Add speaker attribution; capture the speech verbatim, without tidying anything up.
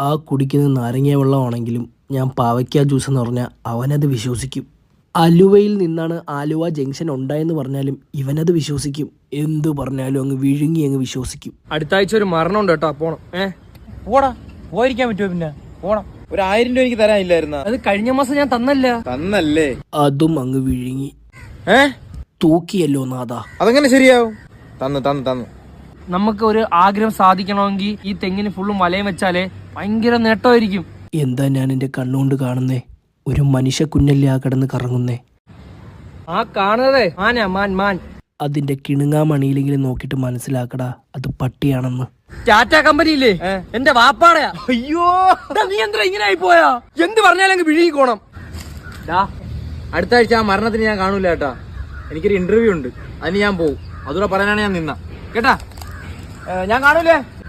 Speaker 1: ആ കുടിക്കുന്ന നാരങ്ങ വെള്ളമാണെങ്കിലും ഞാൻ പാവയ്ക്ക ജ്യൂസ് എന്ന് പറഞ്ഞാൽ അവനത് വിശ്വസിക്കും. അലുവയിൽ നിന്നാണ് ആലുവ ജംഗ്ഷൻ ഉണ്ടായെന്ന് പറഞ്ഞാലും ഇവനത് വിശ്വസിക്കും. എന്തു പറഞ്ഞാലും അങ്ങ് വിഴുങ്ങി അങ്ങ് വിശ്വസിക്കും.
Speaker 2: അടുത്ത ആഴ്ച ഒരു മരണം ഉണ്ട് കേട്ടോ, പോണം. ഏഹ്
Speaker 3: പോടാ, പോയിരിക്കാൻ പറ്റുമോ? പിന്നെ പോണം. ഒരു ആയിരം രൂപ എനിക്ക് തരാനില്ലായിരുന്ന?
Speaker 2: അത് കഴിഞ്ഞ മാസം ഞാൻ തന്നല്ല.
Speaker 3: തന്നല്ലേ?
Speaker 1: അതും അങ്ങ് വിഴുങ്ങി.
Speaker 3: ഏ
Speaker 1: തൂക്കിയല്ലോ നാഥാ.
Speaker 3: അതെങ്ങനെ ശരിയാവും? തന്നു തന്നു തന്നു.
Speaker 2: നമുക്ക് ഒരു ആഗ്രഹം സാധിക്കണമെങ്കിൽ ഈ തെങ്ങിന് ഫുള്ളും വലയം വെച്ചാലേ ഭയങ്കര നേട്ടമായിരിക്കും.
Speaker 1: എന്താ ഞാൻ എൻ്റെ കണ്ണുകൊണ്ട് കാണുന്നേ? ഒരു മനുഷ്യ കുഞ്ഞല്ലേ ആ കിടന്ന് കറങ്ങുന്നേ.
Speaker 2: ആ കാണുന്നതേ മാനാ, മാൻ മാൻ.
Speaker 1: അതിന്റെ കിണുങ്ങാമണിയിലെങ്കിലും നോക്കിയിട്ട് മനസ്സിലാക്കടാ അത് പട്ടിയാണെന്ന്.
Speaker 2: ടാറ്റ കമ്പനിയില്ലേ, എന്റെ വാപ്പാടയാ.
Speaker 3: അയ്യോ,
Speaker 2: നീ എന്താ ഇങ്ങനെ ആയി പോയാ? എന്ത് പറഞ്ഞാലും അങ്ങ് വിഴുങ്ങിക്കോണം.
Speaker 3: അടുത്ത ആഴ്ച ആ മരണത്തിന് ഞാൻ കാണൂല കേട്ടാ. എനിക്കൊരു ഇന്റർവ്യൂ ഉണ്ട്, അതിന് ഞാൻ പോവും. അതുകൂടെ പറയാനാണ് ഞാൻ നിന്ന കേട്ടാ. ഞാൻ കാണൂലേ.